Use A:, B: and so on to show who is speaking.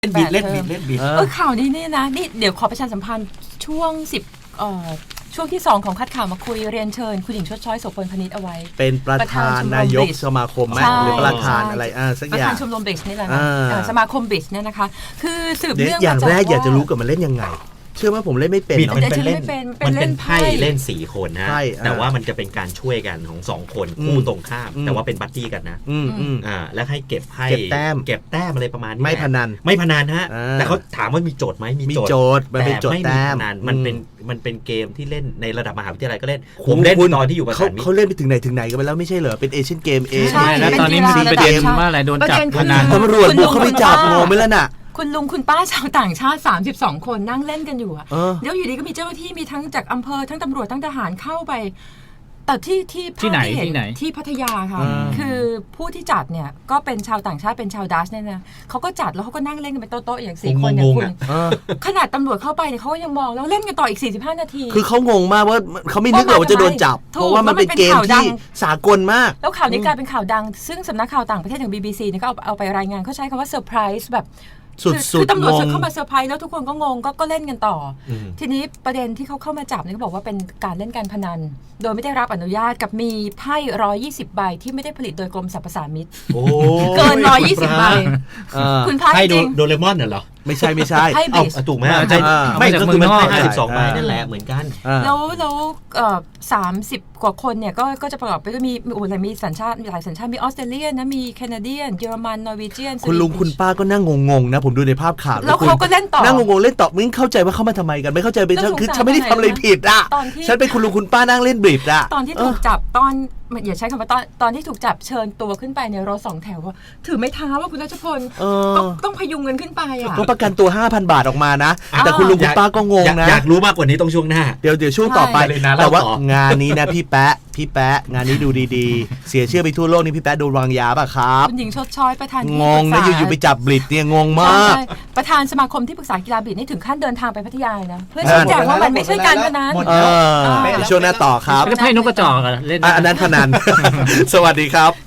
A: เล่นบิด
B: ข่าวนี้นี่นะนี่เดี๋ยวขอประชาสัมพันธ์ช่วงช่วงที่2ของคัดข่าวมาคุยเรียนเชิญคุณหญิงชดช้อยโสพลพนิษฐ์เอาไว้
A: เป็นประธานนายกสมาคมไหมหรือประธานอะไรสักอย่าง
B: ประธานชมรมบิชนี่แหละสมาคมบิชเนี่ยนะคะคือสืบเนื่อง
A: อย่างแรกอยากจะรู้กับมันเล่นยังไงเชื่อว่าผมเล่นไม่เป็น
C: มันเป็นไพ่เล่น4คนนะแต่ว่ามันจะเป็นการช่วยกันของ2คนคู่ตรงข้ามแต่ว่าเป็นบัดดี้กันนะแล้วให้เก็บไพ่เก็บแต้มอะไรประมาณนี้
A: ไม่พนัน
C: ฮะแต่เขาถามว่ามีโจทย์ไหม
A: มีโจทย์มันเป็นโจทย์แต้ม
C: มันเป็นเกมที่เล่นในระดับมหาวิทยาลัยก็เล่นผมเล่นตอนที่อยู่ประถม
A: เขาเล่นไปถึงไหนกันไปแล้วไม่ใช่เหรอเป็นเอเชียนเกม
D: ใช่แล้วตอนนี้มีประเด็นว่าอะไรโดนจับพนัน
A: ตำรวจบุกเข้าไปจับงงไหมล่ะน่ะ
B: คุณลุงคุณป้าชาวต่างชาติ32คนนั่งเล่นกันอยู่แล้วอยู่ดีก็มีเจ้าหน้าที่มีทั้งจากอำเภอทั้งตำรวจทั้งทหารเข้าไปแต่ที่
D: ไหน
B: ที่พัทยาค่ะคือผู้ที่จัดเนี่ยก็เป็นชาวต่างชาติเป็นชาวดัชเนี่ยนะเขาก็จัดแล้วเขาก็นั่งเล่นกันเป็นโต๊ะๆอย่าง4คนเนี่ยคุณขนาดตำรวจเข้าไปเนี่ยเขาก็ยังมองแล้วเล่นกันต่ออีก45นาที
A: คือเขางงมากว่าเขาไม่นึกหรอกว่าจะโดนจับเพราะว่ามันเป็นเกมที่สากลมาก
B: แล้วข่าวนี้กลายเป็นข่าวดังซึ่งสำนักข่าวต่างประเทศอย่าง BBC เนี่ยก็เอาไปรายงานเขาใช้คำว่าเซอร์ไพรส์แบบคือตำรวจเข้ามาเซอร์ไพรส์แล้วทุกคนก็งงก็เล่นกันต่อทีนี้ประเด็นที่เขาเข้ามาจับเนี่ยเขาบอกว่าเป็นการเล่นการพนันโดยไม่ได้รับอนุญาตกับมีไพ่120ใบที่ไม่ได้ผลิตโดยกรมสรรพสามิตเกิน120ใบคุณไพ่จริง
C: โดเรมอนเหรอ
A: ไม่ใช่
B: ไพ่บิช
C: ถูกไหมไม่ก็คือมันไพ่52ใบนั่นแหละเหมือนกัน
B: แล้ว30กว่าคนเนี่ยก็จะประกอบไปด้วยมีสัญชาติหลายสัญชาติมีออสเตรเลียนะมีแคนาเดียนเยอรมันนอร์วีเจียน
A: คุณลุงคุณป้าก็นั่งงงๆนะผมดูในภาพข่าว
B: แล้วเขาก็เล่นต่อ
A: นั่งงงๆเล่นต่อมึงเข้าใจว่าเขามาทำไมกันไม่เข้าใจเป็นคือฉันไม่ได้ทำอะไรผิดอ่ะฉันเป็นคุณลุงคุณป้านั่งเล่นบริดอ่ะ
B: ตอนที่ถูกจับอย่าใช้คำว่าตอนที่ถูกจับเชิญตัวขึ้นไปในรถ2แถวว่าถือไม้เท้าว่าคุณรัชพลต้องพยุงเงินขึ้นไปอ่ะ
A: ต้องประกันตัว 5,000 บาทออกมานะแต่คุณลุงคุณป้าก็งงนะ
C: อยากรู้มากกว่านี้ต้องช่วงหน้า
A: เดี๋ยวช่วงต่อไปแต่ว่างานนี้นะพี่แป๊ะงานนี้ดูดีๆเสียชื่อไปทั่วโลกนี่พี่แป๊ะโดนวางยาป่ะครับ
B: คุณหญิงชดช้อยประธาน
A: งงนะอยู่ๆไปจับบลิดเนี่ยงงมาก
B: ประธานสมาคมที่ปรึกษากีฬาบลิดนี่ถึงขั้นเดินทางไปพัทยานะเพื่อชี้แจงว่ามันไม่ใช่การพนัน
A: ช่วงหน้าต่อครับ
D: ไม่ใช่ไพ่นกกระจอกเล่น
A: อันนั้นพนันสวัสดีครับ